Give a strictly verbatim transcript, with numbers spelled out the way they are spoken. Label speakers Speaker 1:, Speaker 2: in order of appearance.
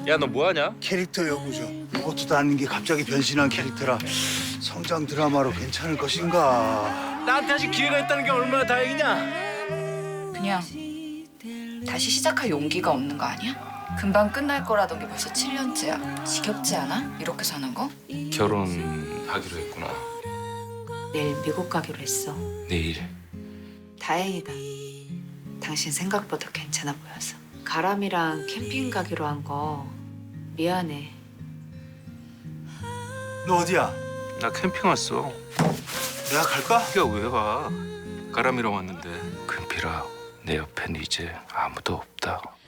Speaker 1: 야, 너 뭐하냐?
Speaker 2: 캐릭터 연구죠. 무것도 아닌 게 갑자기 변신한 캐릭터라 성장 드라마로 괜찮을 것인가.
Speaker 1: 나한테 아직 기회가 있다는 게 얼마나 다행이냐?
Speaker 3: 그냥 다시 시작할 용기가 없는 거 아니야? 금방 끝날 거라던 게 벌써 칠 년째야. 지겹지 않아? 이렇게 사는 거?
Speaker 1: 결혼하기로 했구나.
Speaker 3: 내일 미국 가기로 했어.
Speaker 1: 내일.
Speaker 3: 다행이다. 당신 생각보다 괜찮아 보여서. 가람이랑 캠핑 가기로 한 거 미안해.
Speaker 2: 너 어디야?
Speaker 1: 나 캠핑 왔어.
Speaker 2: 내가 갈까?
Speaker 1: 네가 왜 와? 가람이랑 왔는데. 금필아, 내 옆엔 이제 아무도 없다.